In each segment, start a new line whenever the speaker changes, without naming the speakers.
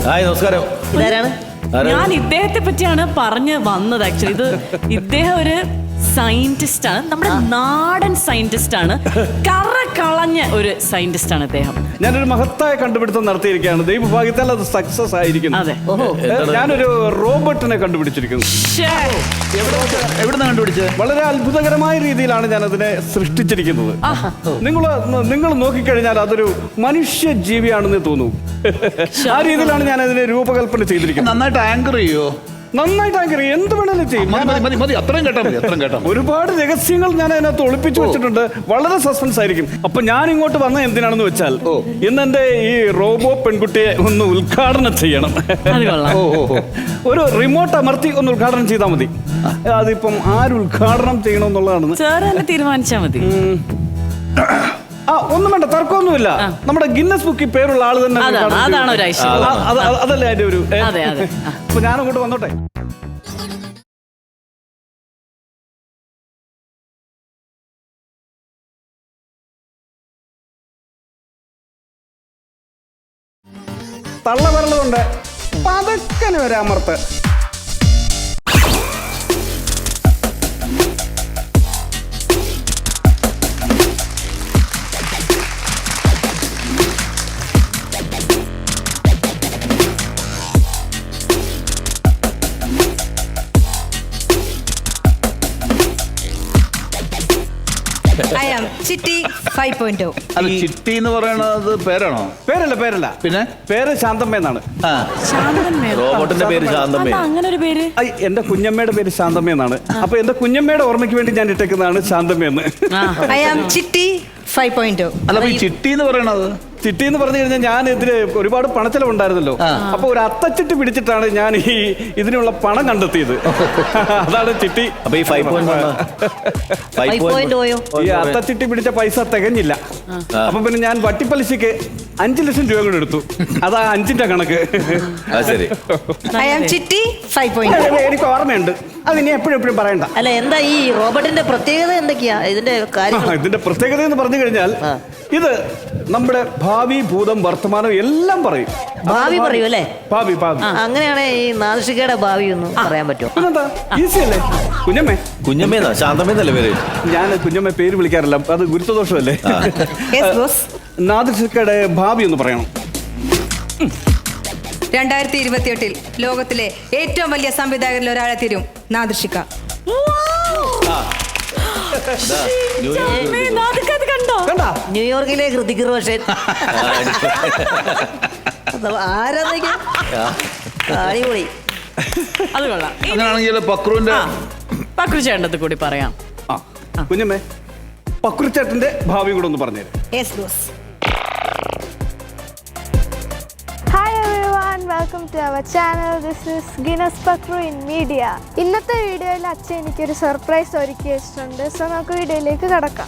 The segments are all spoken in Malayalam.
ഹായ് നമസ്കാരം.
ഇതാരാണ്?
ഞാൻ ഇദ്ദേഹത്തെ പറ്റിയാണ് പറഞ്ഞു വന്നത്. ആക്ച്വലി ഇദ്ദേഹം ഒരു സയന്റിസ്റ്റ് ആണ്, നമ്മുടെ നാടൻ സയന്റിസ്റ്റ് ആണ്, കറ കളഞ്ഞ ഒരു സയന്റിസ്റ്റ് ആണ് ഇദ്ദേഹം.
ഞാനൊരു മഹത്തായ കണ്ടുപിടുത്തം നടത്തിയിരിക്കുകയാണ്. ദൈവഭാഗ്യത്താൽ അത് സക്സസ് ആയിരിക്കുന്നു.
അതെ.
ഞാനൊരു റോബോട്ടിനെ കണ്ടുപിടിച്ചിരിക്കുന്നു.
എവിടുന്ന് കണ്ടുപിടിച്ചത്?
വളരെ അത്ഭുതകരമായ രീതിയിലാണ് ഞാൻ അതിനെ സൃഷ്ടിച്ചിരിക്കുന്നത്. നിങ്ങൾ നോക്കിക്കഴിഞ്ഞാൽ അതൊരു മനുഷ്യ ജീവിയാണെന്ന് തോന്നുന്നു. ആ രീതിയിലാണ് ഞാൻ അതിനെ രൂപകൽപ്പന ചെയ്തിരിക്കുന്നത്.
നന്നായിട്ട് ആങ്കർ ചെയ്യോ?
നന്നായിട്ട് ആങ്കറി എന്ത് വേണേലും ചെയ്യും.
അത്രയും കേട്ടോ.
ഒരുപാട് രഹസ്യങ്ങൾ ഞാൻ അതിനകത്ത് ഒളിപ്പിച്ചു വെച്ചിട്ടുണ്ട്. വളരെ സസ്പെൻസ് ആയിരിക്കും. അപ്പൊ ഞാൻ ഇങ്ങോട്ട് വന്ന എന്തിനാണെന്ന് വെച്ചാൽ ഇന്ന് എന്റെ ഈ റോബോ പെൺകുട്ടിയെ ഒന്ന് ഉദ്ഘാടനം ചെയ്യണം. ഒരു റിമോട്ട് അമർത്തി ഒന്ന് ഉദ്ഘാടനം ചെയ്താൽ മതി. അതിപ്പം ആര് ഉദ്ഘാടനം ചെയ്യണമെന്നുള്ളതാണ്
സാർ തന്നെ തീരുമാനിച്ചാൽ മതി.
ഒന്നും വേണ്ട, തർക്കമൊന്നുമില്ല. നമ്മുടെ ഗിന്നസ് ബുക്കിൽ പേരുള്ള ആള് തന്നെ.
അതാണ് ഒരു ഐശ്വര്യം.
അതല്ലേ അതിന്റെ ഒരു.
അതെ.
അപ്പൊ ഞാനങ്ങോട്ട് വന്നോട്ടെ. തള്ളവിരലുകൊണ്ട് പതക്കന് വരെ അമർത്ത്.
ചിട്ടി 5.0.
അത് ചിട്ടി എന്ന് പറയണത് പേരാണോ?
പേരല്ല.
പിന്നെ
പേര് ശാന്തമ്മ എന്നാണ്.
റോബോട്ടിന്റെ പേര് ശാന്തമ്മ.
അങ്ങനെ ഒരു പേര്
എന്റെ കുഞ്ഞമ്മയുടെ പേര് ശാന്തമ്മ എന്നാണ്. അപ്പൊ എന്റെ കുഞ്ഞമ്മയുടെ ഓർമ്മയ്ക്ക് വേണ്ടി ഞാൻ ഇട്ടേക്കുന്നതാണ് ശാന്തമ്മ എന്ന്.
ചിട്ടി 5.0.
അല്ല, ഈ ചിട്ടി എന്ന് പറയണത്?
ചിട്ടി എന്ന് പറഞ്ഞു കഴിഞ്ഞാൽ ഞാൻ ഇതിന് ഒരുപാട് പണച്ചെലവുണ്ടായിരുന്നല്ലോ. അപ്പൊ ഒരു അത്തച്ചിട്ടി പിടിച്ചിട്ടാണ് ഞാൻ ഇതിനുള്ള പണം കണ്ടെത്തിയത്. അതാണ് ചിട്ടി.
അപ്പൊ ഈ 5.0
ഈ അത്തച്ചിട്ടി പിടിച്ച പൈസ തികഞ്ഞില്ല. അപ്പൊ പിന്നെ ഞാൻ വട്ടിപ്പലിശക്ക് 5 ലക്ഷം രൂപ കൂടെ എടുത്തു. അതാ 5ന്റെ കണക്ക്.
ശരി.
ചിട്ടി 5.0.
എനിക്ക് ഓർമ്മയുണ്ട്. അതിനി എപ്പോഴും പറയണ്ട.
അല്ല, എന്താ ഈ റോബോട്ടിന്റെ പ്രത്യേകത എന്തൊക്കെയാ? ഇതിന്റെ
ഇതിന്റെ പ്രത്യേകത എന്ന് പറഞ്ഞു കഴിഞ്ഞാൽ ഇത് നമ്മുടെ ഭാവി, ഭൂതം, വർത്തമാനം എല്ലാം പറയും.
ഭാവി പറയൂ അല്ലേ?
ഭാവി.
അങ്ങനെയാണ് ഈ നാദൃഷികയുടെ ഭാവി ഒന്ന് പറയാൻ പറ്റുമോ?
പിന്നെന്താ, ഈസി അല്ലേ?
കുഞ്ഞമ്മേന്നാ ശാന്തമ്മേന്നല്ലേ പേര്?
ഞാൻ കുഞ്ഞമ്മ പേര് വിളിക്കാറില്ല, അത് ഗുരുത്വദോഷമല്ലേ. നാദൃഷികയുടെ ഭാവി ഒന്ന് പറയണം.
2028 ലോകത്തിലെ ഏറ്റവും വലിയ സംവിധായകരിൽ ഒരാളെ തീരും നാദൃഷിക.
ന്യൂയോർക്കിലെ ഹൃതിക് റോഷൻ. അടിപൊളി.
അത് കൊള്ളാം.
അങ്ങനെയാണെങ്കിൽ പക്രു
ചേട്ടത് കൂടി പറയാം.
കുഞ്ഞമ്മേ, പക്രു ചേട്ടന്റെ ഭാവി കൂടെ ഒന്ന് പറഞ്ഞുതരാം.
Hi everyone, welcome to our channel. This is Guinness Pakru in Media. ഇന്നത്തെ വീഡിയോയിൽ അച്ഛൻ എനിക്കൊരു സർപ്രൈസ് ഒരുക്കി വെച്ചിട്ടുണ്ട്. സോ നമുക്ക് വീഡിയോയിലേക്ക് കടക്കാം.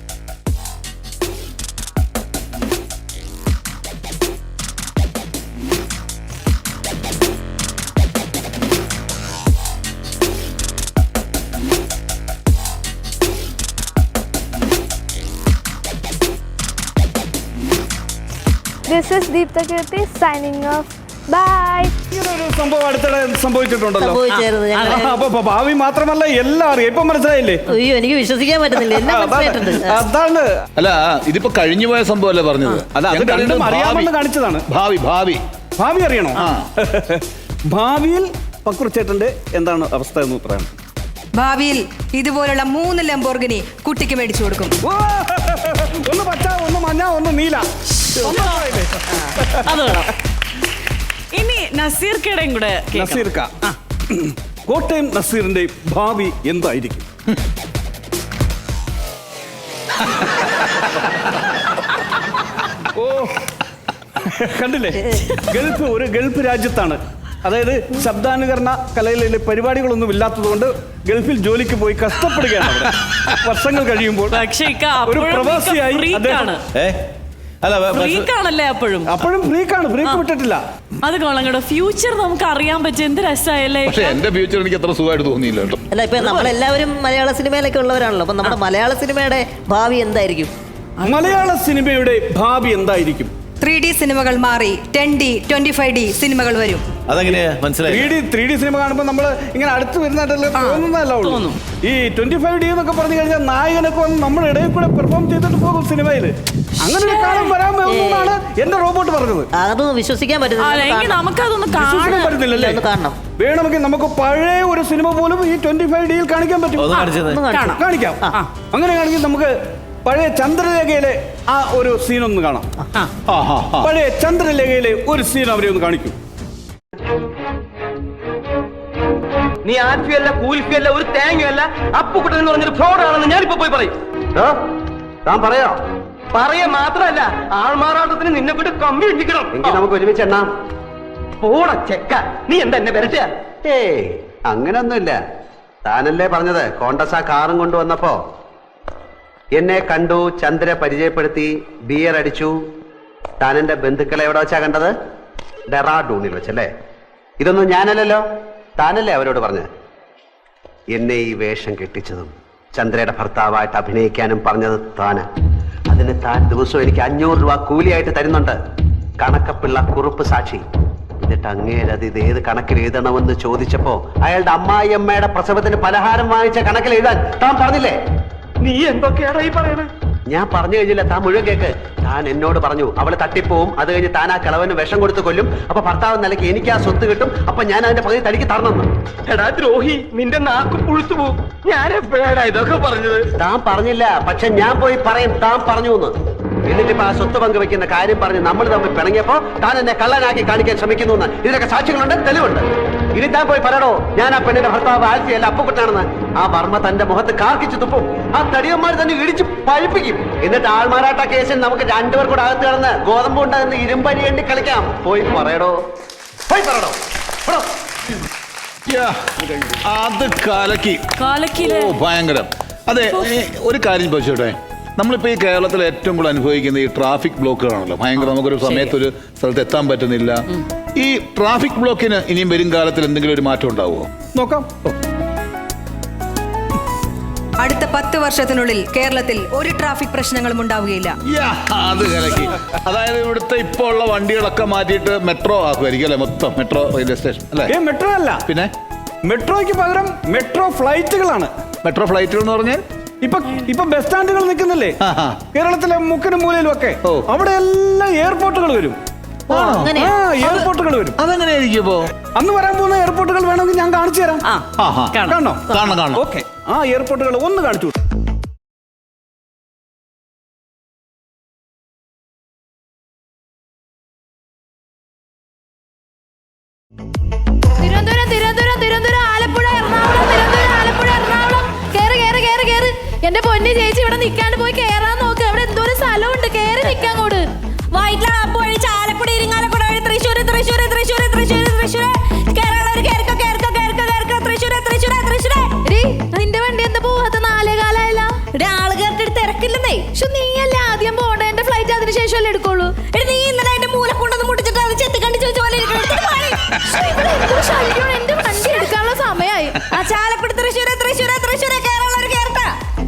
This is Deepta Kirti signing off. Bye.
ഇങ്ങനൊരു സംഭവം അടുത്തിടെ സംഭവിച്ചിട്ടുണ്ടല്ലോ.
സംഭവിച്ചായിരുന്നു.
ഭാവി മാത്രമല്ല എല്ലാം അറിയാം. ഇപ്പൊ മനസ്സിലായില്ലേ?
അയ്യോ, എനിക്ക് വിശ്വസിക്കാൻ പറ്റുന്നില്ല.
അതാണ്.
അല്ല, ഇതിപ്പോ കഴിഞ്ഞു പോയ സംഭവമല്ലേ പറഞ്ഞത്?
അത് രണ്ടും അറിയാമെന്ന് കാണിച്ചതാണ്. ഭാവി അറിയണോ? ഭാവിയിൽ പക്രു ചേട്ടന്റെ എന്താണ് അവസ്ഥ എന്ന് പറയണം.
ഭാവിയിൽ ഇതുപോലുള്ള 3 ലംബോർഗിനി കുട്ടിക്ക് മേടിച്ചു കൊടുക്കും.
ഒന്ന് പച്ച, ഒന്ന് മഞ്ഞ, ഒന്ന് നീല.
അത് വേണം. ഇനി നസീർക്കയുടെയും കൂടെ.
നസീർക്ക, കോട്ടയം നസീറിന്റെ ഭാവി എന്തായിരിക്കും? ഓ, കണ്ടില്ലേ? ഒരു ഗൾഫ് രാജ്യത്താണ്. അതായത് ശബ്ദാനുകരണ കലയിലെ പരിപാടികളൊന്നും ഇല്ലാത്തതുകൊണ്ട് ഗൾഫിൽ ജോലിക്ക് പോയി കഷ്ടപ്പെടുകയാണ്. വർഷങ്ങൾ കഴിയുമ്പോൾ ഒരു പ്രവാസിയായി അപ്പോഴും ഫ്രീക്കാണ്, ബ്രേക്ക് വിട്ടിട്ടില്ല.
അത് കൊള്ളങ്ങടോ. ഫ്യൂച്ചർ നമുക്ക് അറിയാൻ പറ്റും. എന്ത് രസമായല്ലേ.
പക്ഷേ എന്റെ ഫ്യൂച്ചർ എനിക്ക് അത്ര സുഖമായിട്ട് തോന്നിയില്ല കേട്ടോ.
അല്ല, ഇപ്പൊ നമ്മളെല്ലാവരും മലയാള സിനിമയിലൊക്കെ ഉള്ളവരാണല്ലോ. അപ്പൊ നമ്മുടെ മലയാള സിനിമയുടെ ഭാവി എന്തായിരിക്കും?
മലയാള സിനിമയുടെ ഭാവി എന്തായിരിക്കും?
3D സിനിമകൾ മാറി 10D 25D സിനിമകൾ വരും.
അതെങ്ങനെയാ മനസ്സിലായി?
3D സിനിമ കാണുമ്പോൾ നമ്മൾ ഇങ്ങനെ അടുത്ത് വരുന്നതായിട്ടല്ലേ തോന്നുന്നതല്ല ഉള്ളൂ.
തോന്നും.
ഈ 25D എന്നൊക്കെ പറഞ്ഞു കഴിഞ്ഞാൽ നായകനൊക്കെ വന്ന് നമ്മുടെ ഇടയിൽ കൂടെ പെർഫോം ചെയ്തിട്ട് പോകും സിനിമയിൽ. അങ്ങനെ ഒരു കാലം വരാൻ പോകുന്നതാണ് എന്റെ റോബോട്ട് പറഞ്ഞത്.
അതൊന്നും വിശ്വസിക്കാൻ
അല്ലെങ്കിൽ നമുക്കതൊന്ന്
വിശ്വസിക്കാൻ
കാണാൻ
പറ്റുന്നില്ലല്ലേ?
ഒന്ന് കാണണം.
വേണമെങ്കിൽ നമുക്ക് പഴയ ഒരു സിനിമ പോലും ഈ 25Dയിൽ കാണിക്കാൻ പറ്റും.
ഒന്ന് കാണിച്ചത്.
ഒന്ന് കാണിച്ചു.
കാണിക്കാം. അങ്ങനെയാണെങ്കിൽ നമുക്ക് പഴയ ചന്ദ്രലേഖയിലെ ആ ഒരു സീനൊന്ന് കാണാം. പഴയ ചന്ദ്രലേഖയിലെ ഒരു സീൻ അവരെ ഒന്ന് കാണിക്കും.
നീ ആൽഫിയല്ല കൂൽഫിയല്ല ഒരു തേങ്ങയല്ല അപ്പുക്കുട്ടൻ എന്ന് പറഞ്ഞൊരു ഫ്രോഡാണെന്ന് ഞാനിപ്പോ പോയി പറയും. താൻ പറയാ പറയ മാത്രല്ല ആൾമാറാട്ടത്തിന് നിന്നെ കൊണ്ട് കമ്പി ഇട്ടിക്കണം. എങ്കിൽ നമുക്ക് ഒരുമിച്ച് എണ്ണാം. പോട ചെക്ക, നീ എന്താ എന്നെ വരട്ടെ?
ഏയ് അങ്ങനൊന്നുമില്ല. താനല്ലേ പറഞ്ഞത് കോണ്ടസ കാറും കൊണ്ടുവന്നപ്പോ എന്നെ കണ്ടു, ചന്ദ്ര പരിചയപ്പെടുത്തി, ബിയർ അടിച്ചു. താൻ എന്റെ ബന്ധുക്കളെ എവിടെ വെച്ചാ കണ്ടത്? ഡെറാഡൂണിൽ വെച്ചല്ലേ? ഇതൊന്നും ഞാനല്ലല്ലോ, താനല്ലേ അവരോട് പറഞ്ഞത്. എന്നെ ഈ വേഷം കെട്ടിച്ചതും ചന്ദ്രയുടെ ഭർത്താവായിട്ട് അഭിനയിക്കാനും പറഞ്ഞത് താന്. അതിന് താൻ ദിവസവും എനിക്ക് 500 രൂപ കൂലിയായിട്ട് തരുന്നുണ്ട്. കണക്കപ്പിള്ള കുറുപ്പ് സാക്ഷി. എന്നിട്ട് അങ്ങേരത് ഇത് ഏത് കണക്കിൽ എഴുതണമെന്ന് ചോദിച്ചപ്പോ അയാളുടെ അമ്മായിയമ്മയുടെ പ്രസവത്തിന് പലഹാരം വാങ്ങിച്ച കണക്കിൽ എഴുതാൻ താൻ പറഞ്ഞില്ലേ?
നീ എന്തൊക്കെയാടാ ഈ പറയണേ?
ഞാൻ പറഞ്ഞു കഴിഞ്ഞില്ല, താൻ മുഴുവൻ കേക്ക്. താൻ എന്നോട് പറഞ്ഞു അവള് തട്ടിപ്പോവും, അത് കഴിഞ്ഞ് താൻ ആ കിളവന് വിഷം കൊടുത്ത് കൊല്ലും, അപ്പൊ ഭർത്താവ് നിലയ്ക്ക് എനിക്ക് ആ സ്വത്ത് കിട്ടും, അപ്പൊ ഞാൻ അതിന്റെ പകുതി തനിക്ക് തരണമെന്ന്.
എടാ ദ്രോഹി, നിന്റെ നാക്ക് പുഴുത്തു പോവും. ഞാൻ എപ്പോഴാണ് ഇതൊക്കെ പറഞ്ഞത്?
താൻ പറഞ്ഞില്ല, പക്ഷെ ഞാൻ പോയി പറയും താൻ പറഞ്ഞു എന്ന്. എന്നിട്ടിപ്പോ ആ സ്വത്ത് പങ്കുവെക്കുന്ന കാര്യം പറഞ്ഞ് നമ്മൾ തമ്മിൽ പിണങ്ങിയപ്പോ താൻ എന്നെ കള്ളനാക്കി കാണിക്കാൻ ശ്രമിക്കുന്നു എന്ന്. ഇതിനൊക്കെ സാക്ഷികളുണ്ട്, തെളിവുണ്ട്. ഇനി താൻ പോയി പറയണോ ഞാൻ ആ പെണ്ണിന്റെ ഭർത്താവ് ആൽഫിയല്ല അപ്പുക്കുട്ടനാണെന്ന്. ആ വർമ്മ തന്റെ മുഖത്ത് കാർക്കിച്ചു തുപ്പും. ആ തടിയന്മാർ തന്നെ ഇടിച്ച് പഴിപ്പിക്കും. എന്നിട്ട് ആൾമാരാട്ട കേസിൽ നമുക്ക് രണ്ടുപേർ കൂടെ അകത്ത് കിടന്ന് ഗോതമ്പ് ഉണ്ടാകുന്ന ഇരുമ്പരി എണ്ണി കളിക്കാം. പോയി പറയടോ, പോയി പറയടോ.
അത് കലക്കി.
കാലക്കില്
ഓ ഭയങ്കരം. അതെ, ഒരു കാര്യം ചോദിച്ചോട്ടെ, നമ്മളിപ്പോൾ ഈ കേരളത്തിൽ ഏറ്റവും കൂടുതൽ അനുഭവിക്കുന്ന ഈ ട്രാഫിക് ബ്ലോക്കുകളാണല്ലോ. ഭയങ്കര, നമുക്കൊരു സമയത്ത് ഒരു സ്ഥലത്ത് എത്താൻ പറ്റുന്നില്ല. ഈ ട്രാഫിക് ബ്ലോക്കിന് ഇനിയും വരും കാലത്തിൽ എന്തെങ്കിലും ഒരു മാറ്റം ഉണ്ടാവുമോ?
നോക്കാം.
അടുത്ത 10 വർഷത്തിനുള്ളിൽ കേരളത്തിൽ ഒരു ട്രാഫിക് പ്രശ്നങ്ങളും ഉണ്ടാവുകയില്ല.
അത് കലക്കി. അതായത് ഇവിടുത്തെ ഇപ്പോൾ ഉള്ള വണ്ടികളൊക്കെ മാറ്റിയിട്ട് മെട്രോ ആക്കുമായിരിക്കും അല്ലെ? മൊത്തം മെട്രോ റെയിൽവേ സ്റ്റേഷൻ അല്ലേ?
മെട്രോ അല്ല,
പിന്നെ
മെട്രോയ്ക്ക് പകരം മെട്രോ ഫ്ലൈറ്റുകളാണ്.
മെട്രോ ഫ്ലൈറ്റുകൾ എന്ന് പറഞ്ഞാൽ
ഇപ്പൊ ബസ് സ്റ്റാൻഡുകൾ നിൽക്കുന്നില്ലേ കേരളത്തിലെ മുക്കിനും മൂലയിലും ഒക്കെ, അവിടെ എല്ലാം എയർപോർട്ടുകൾ വരും. എയർപോർട്ടുകൾ വരും.
അതെങ്ങനെയായിരിക്കും ഇപ്പോ?
അന്ന് വരാൻ പോകുന്ന എയർപോർട്ടുകൾ വേണമെങ്കിൽ ഞാൻ കാണിച്ചു തരാം. കാണോ?
കാണണം.
ഓക്കെ, ആ എയർപോർട്ടുകൾ ഒന്ന് കാണിച്ചു.
തിരുവനന്തപുരം ആലപ്പുഴ എറണാകുളം കേറ്. എന്റെ പൊന്നി ചേച്ചി ഇവിടെ നിൽക്കാണ്ട് പോയി കേറാൻ നോക്ക്. അവിടെ എന്തോരം സ്ഥലമുണ്ട്, കേറി നിൽക്കാൻ കൂട്.
വയറ്റിലാണ് പോയി ചാലക്കുടി ഇരിങ്ങാലക്കുട വഴി തൃശ്ശൂർ
നിന്റെ വണ്ടി എന്താ പോവാത്ത? 4 കാലായല്ല.
ആള് കേട്ടിട്ട് തിരക്കില്ലെന്നേ.
നീയല്ല ആദ്യം പോകണ്ട, എന്റെ ഫ്ലൈറ്റ് അതിന് ശേഷമല്ലേ എടുക്കുള്ളൂ.
നീ ഇന്നലെ അതിന്റെ മൂല കൊണ്ടൊന്ന് മുടിച്ചിട്ട് അത് ചെത്തി കണ്ടി ചോദിച്ച പോലെ
എന്റെ വണ്ടി എടുക്കാനുള്ള സമയമായി.
ചാലക്കുടി തൃശ്ശൂർ കേരള കേരള.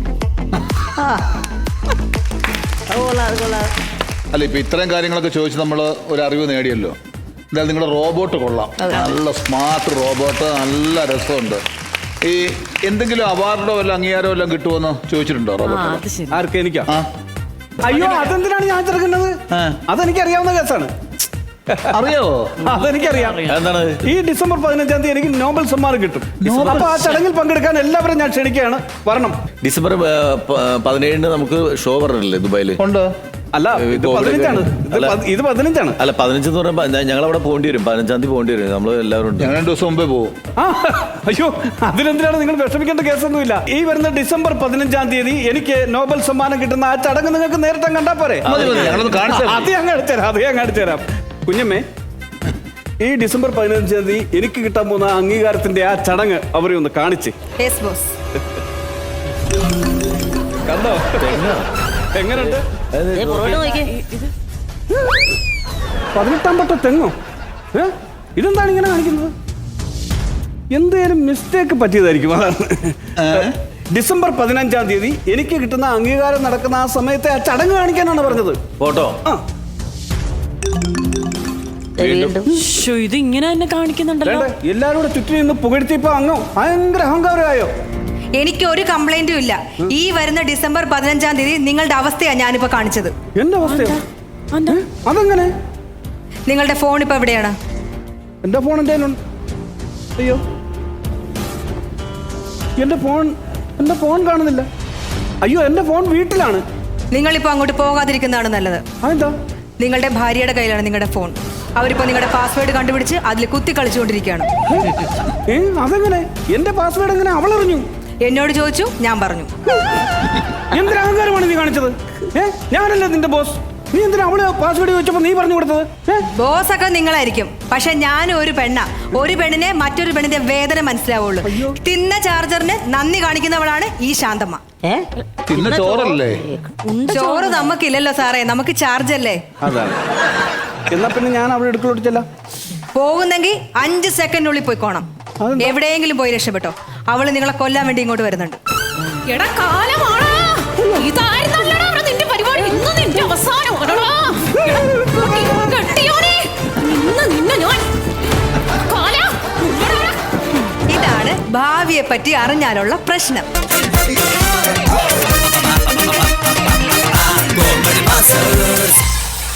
അല്ല, ഇപ്പൊ ഇത്തരം കാര്യങ്ങളൊക്കെ ചോദിച്ച് നമ്മൾ ഒരു അറിവ് നേടിയല്ലോ. എന്തായാലും നിങ്ങളുടെ റോബോട്ട് കൊള്ളാം. നല്ല സ്മാർട്ട് റോബോട്ട്, നല്ല രസമുണ്ട്. ഈ എന്തെങ്കിലും അവാർഡോ വല്ല അംഗീകാരമോ എല്ലാം കിട്ടുമെന്ന് ചോദിച്ചിട്ടുണ്ടോ റോബോട്ട്?
ആർക്ക്? എനിക്കാ? അയ്യോ, അതെന്തിനാണ് ഞാൻ ചെറുക്കുന്നത്? അതെനിക്ക് അറിയാവുന്ന കേസാണ്.
അറിയാവോ?
അതെനിക്കറിയാം.
എന്താണ്?
ഈ ഡിസംബർ 15-ാം തീയതി എനിക്ക് നോബൽ സമ്മാനം കിട്ടും. അപ്പൊ ആ ചടങ്ങിൽ പങ്കെടുക്കാൻ എല്ലാവരും ഞാൻ ക്ഷണിക്കുകയാണ്, വരണം.
ഡിസംബർ 17 നമുക്ക് ഷോ പറഞ്ഞില്ലേ ദുബായില്? ഉണ്ട്.
അല്ല, ഇത് 15-ആണ്. ഇത് 15-ആണ്.
അല്ല, 15 എന്ന് പറയുമ്പോ ഞങ്ങൾ അവിടെ പോകേണ്ടി വരും. 15-ാം തീയതി പോകേണ്ടി വരും. നമ്മൾ എല്ലാവരും 2 ദിവസം മുമ്പേ പോകും.
അയ്യോ, അതിനെന്തിനാണ് നിങ്ങൾ വിഷമിക്കേണ്ട കേസൊന്നുമില്ല. ഈ വരുന്ന ഡിസംബർ 15-ാം തീയതി എനിക്ക് നോബൽ സമ്മാനം കിട്ടുന്ന ആ ചടങ്ങ് നിങ്ങൾക്ക് നേരിട്ട് കണ്ടാ പോരെ? അത് ഞാൻ കാണിച്ചു തരാം. കുഞ്ഞമ്മേ, ഈ ഡിസംബർ 15-ാം തീയതി എനിക്ക് കിട്ടാൻ പോകുന്ന അംഗീകാരത്തിന്റെ ആ ചടങ്ങ് അവരെ ഒന്ന് കാണിച്ച്. കണ്ടോ എങ്ങനെയുണ്ട്? 18-ാം പട്ട തെങ്ങോ? ഇതെന്താണ് ഇങ്ങനെ കാണിക്കുന്നത്? എന്തേലും മിസ്റ്റേക്ക് പറ്റിയതായിരിക്കും. അതാണ് ഡിസംബർ 15-ാം തീയതി എനിക്ക് കിട്ടുന്ന അംഗീകാരം നടക്കുന്ന ആ സമയത്തെ ആ ചടങ്ങ് കാണിക്കാനാണ് പറഞ്ഞത്.
ഫോട്ടോ
വീണ്ടും
ശ്ശോ, ഇത് ഇങ്ങനെ തന്നെ കാണിക്കുന്നുണ്ടല്ലോ.
എല്ലാരും കൂടെ ചുറ്റും നിന്ന് പുകഴ്ത്തിയപ്പോ അങ്ങ് ഭയങ്കര അഹങ്കാരമായോ?
എനിക്ക് ഒരു കംപ്ലൈന്റും ഇല്ല. ഈ വരുന്ന ഡിസംബർ 15-ാം തീയതി നിങ്ങളുടെ അവസ്ഥയാ ഞാനിപ്പോ കാണിച്ചത്.
എന്റെ അവസ്ഥയോ?
എന്താ?
അതെങ്ങനെ?
നിങ്ങളുടെ ഫോൺ ഇപ്പൊ എവിടെയാണ്?
എന്റെ ഫോൺ എന്റെ കയ്യിലുണ്ട്. അയ്യോ, എന്റെ ഫോൺ കാണുന്നില്ല. അയ്യോ, എന്റെ ഫോൺ വീട്ടിലാണ്.
നിങ്ങളിപ്പോ അങ്ങോട്ട് പോകാതിരിക്കുന്നതാണ് നല്ലത്.
അതെന്താ?
നിങ്ങളുടെ ഭാര്യയുടെ കയ്യിലാണ് നിങ്ങളുടെ ഫോൺ. അവരിപ്പോ നിങ്ങളുടെ പാസ്വേഡ് കണ്ടുപിടിച്ച് അതിൽ കുത്തി കളിച്ചുകൊണ്ടിരിക്കുകയാണ്.
അതെങ്ങനെ? എന്റെ പാസ്വേഡ് എങ്ങനെ അവളറിഞ്ഞു?
എന്നോട് ചോദിച്ചു, ഞാൻ പറഞ്ഞു.
എന്തൊരു അഹങ്കാരമാണ് നീ കാണിച്ചത്? ഞാനല്ലേ നിന്റെ ബോസ്. നീ എന്തിനാ അവള് പാസ്വേഡ് ചോദിച്ചപ്പോ നീ പറഞ്ഞു കൊടുത്തത്?
ബോസ് ഒക്കെ നിങ്ങളായിരിക്കും, പക്ഷെ ഞാൻ ഒരു പെണ്ണാ. ഒരു പെണ്ണിനെ മറ്റൊരു പെണ്ണിന്റെ വേദന മനസ്സിലാവുള്ളൂ. തിന്ന ചാർജറിന് നന്ദി കാണിക്കുന്നവളാണ് ഈ ശാന്തമ്മ.
തിന്ന ചോറല്ലേ?
ചോറ് നമുക്കില്ലല്ലോ സാറേ, നമുക്ക് ചാർജ് അല്ലേ.
അതാണ്. എന്നാ പിന്നെ ഞാൻ അവിടെ എടുക്കലോട്ടിച്ചല്ല.
പോകുന്നെങ്കിൽ 5 സെക്കൻഡിനുള്ളിൽ പോയിക്കോണം. എവിടെയെങ്കിലും പോയി രക്ഷപ്പെട്ടോ. അവള് നിങ്ങളെ കൊല്ലാൻ വേണ്ടി ഇങ്ങോട്ട് വരുന്നുണ്ട്.
എടാ കാലമാണ് ഇതായിരുന്നല്ലടാ അവിടെ നിന്റെ പരിപാടി. ഇന്ന് നിന്റെ അവസാനം നിന്നെ ഞാൻ
ഇതാണ് ഭാവിയെ പറ്റി അറിഞ്ഞാലുള്ള പ്രശ്നം.